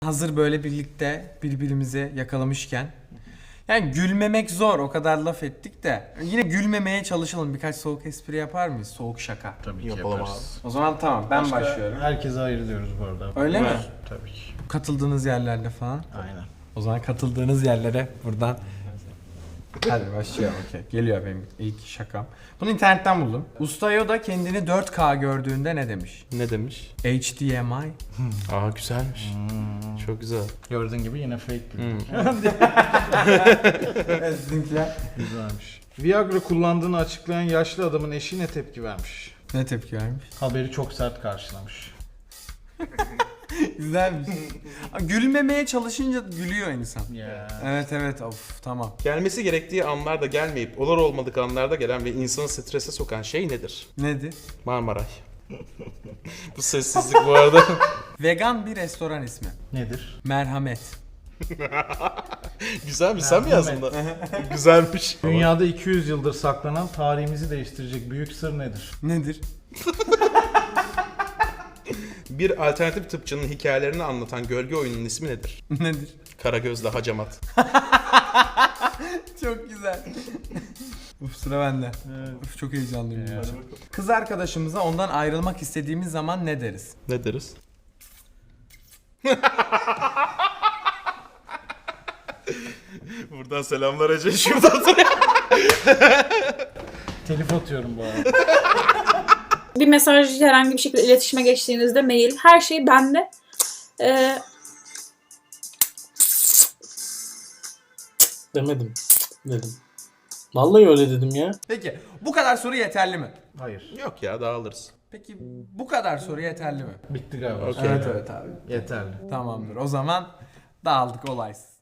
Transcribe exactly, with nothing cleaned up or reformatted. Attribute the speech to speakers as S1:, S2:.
S1: Hazır böyle birlikte birbirimizi yakalamışken. Yani gülmemek zor, o kadar laf ettik de. Yine gülmemeye çalışalım. Birkaç soğuk espri yapar mıyız? Soğuk şaka.
S2: Tabii ki
S3: Yapalım
S2: yaparız.
S1: O zaman tamam, ben
S2: Başka
S1: başlıyorum.
S2: Herkese hayır diyoruz bu arada.
S1: Öyle mi?
S2: Tabii ki.
S1: Katıldığınız yerlerde falan.
S2: Aynen.
S1: O zaman katıldığınız yerlere buradan. Hadi başlayalım. Okay. Geliyor benim ilk şakam. Bunu internetten buldum. Usta Yoda kendini dört K gördüğünde ne demiş?
S3: Ne demiş?
S1: H D M I.
S3: Aa güzelmiş. Çok güzel.
S2: Gördüğün gibi yine fake bir.
S1: Sizinkiler.
S2: Güzelmiş. Viagra kullandığını açıklayan yaşlı adamın eşi ne tepki vermiş?
S1: Ne tepki vermiş?
S2: Haberi çok sert karşılamış.
S1: Güzelmiş. Gülmemeye çalışınca gülüyor insan.
S2: Ya.
S1: Evet evet, of tamam.
S3: Gelmesi gerektiği anlarda gelmeyip olur olmadık anlarda gelen ve insanı strese sokan şey nedir?
S1: Nedir?
S3: Marmaray. Bu sessizlik bu arada.
S1: Vegan bir restoran ismi.
S2: Nedir?
S1: Merhamet.
S3: Güzelmiş, sen mi yazdın da? Güzelmiş.
S2: Dünyada iki yüz yıldır saklanan tarihimizi değiştirecek büyük sır nedir?
S1: Nedir?
S3: Bir alternatif tıpçının hikayelerini anlatan gölge oyununun ismi nedir?
S1: Nedir?
S3: Karagöz'le Hacamat.
S1: Çok güzel. Uf, sıra bende.
S2: Evet.
S1: Uf, çok heyecanlıyım. ya. Kız arkadaşımıza ondan ayrılmak istediğimiz zaman ne deriz?
S3: Ne deriz? Buradan selamlar Ece. Şuradan
S2: Telif atıyorum bu arada.
S4: Bir mesaj herhangi bir şekilde iletişime geçtiğinizde mail, her şey bende. Ee,
S5: Demedim. Dedim. Vallahi öyle dedim ya.
S1: Peki bu kadar soru yeterli mi?
S2: Hayır.
S3: Yok ya, dağılırız.
S1: Peki bu kadar soru yeterli mi?
S2: Bitti galiba.
S3: Okey.
S1: Evet evet abi.
S2: Yeterli.
S1: Tamamdır. O zaman dağıldık, olaysız.